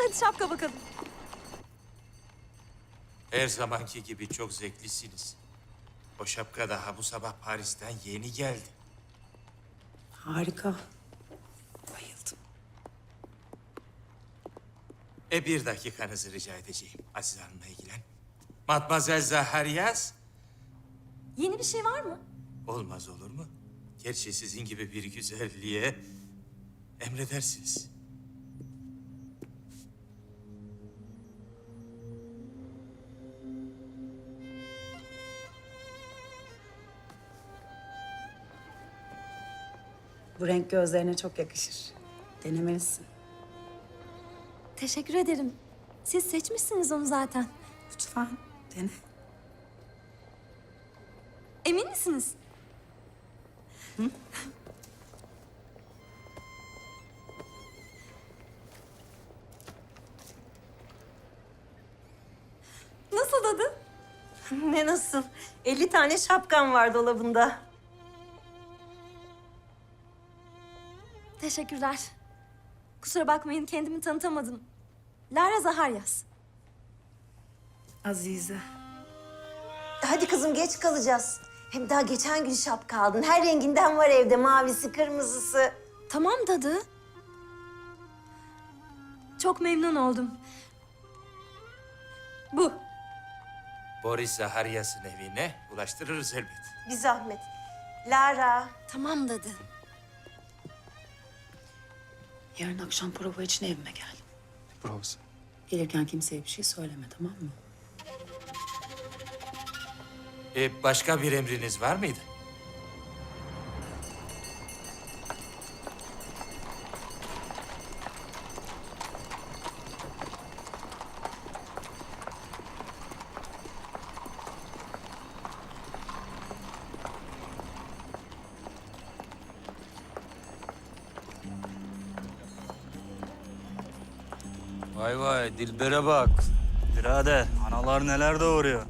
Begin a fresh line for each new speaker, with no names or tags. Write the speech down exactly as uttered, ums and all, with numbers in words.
hadi şapka bakalım.
Her zamanki gibi çok zevklisiniz. O şapka daha bu sabah Paris'ten yeni geldi.
Harika. Bayıldım.
E bir dakikanızı rica edeceğim. Aziz Hanım'la ilgilen. Matmazel Zaharyas.
Yeni bir şey var mı?
Olmaz olur mu? Gerçi sizin gibi bir güzelliğe emredersiniz.
Bu renk gözlerine çok yakışır. Denemelisin.
Teşekkür ederim. Siz seçmişsiniz onu zaten.
Lütfen dene.
Emin misiniz? Nasıl tadı?
Ne nasıl? elli tane şapkan var dolabında.
Teşekkürler. Kusura bakmayın kendimi tanıtamadım. Lara Zaharyas.
Azize.
Hadi kızım geç kalacağız. Hem daha geçen gün şapka aldın. Her renginden var evde. Mavisi, kırmızısı.
Tamam dadı. Çok memnun oldum. Bu.
Boris Zaharyas'ın evine ulaştırırız elbet.
Bir zahmet. Lara.
Tamam dadı.
Yarın akşam prova için evime gel.
Provası.
Gelirken kimseye bir şey söyleme, tamam mı?
E, başka bir emriniz var mıydı?
Vay vay Dilber'e bak. Birader analar neler doğuruyor.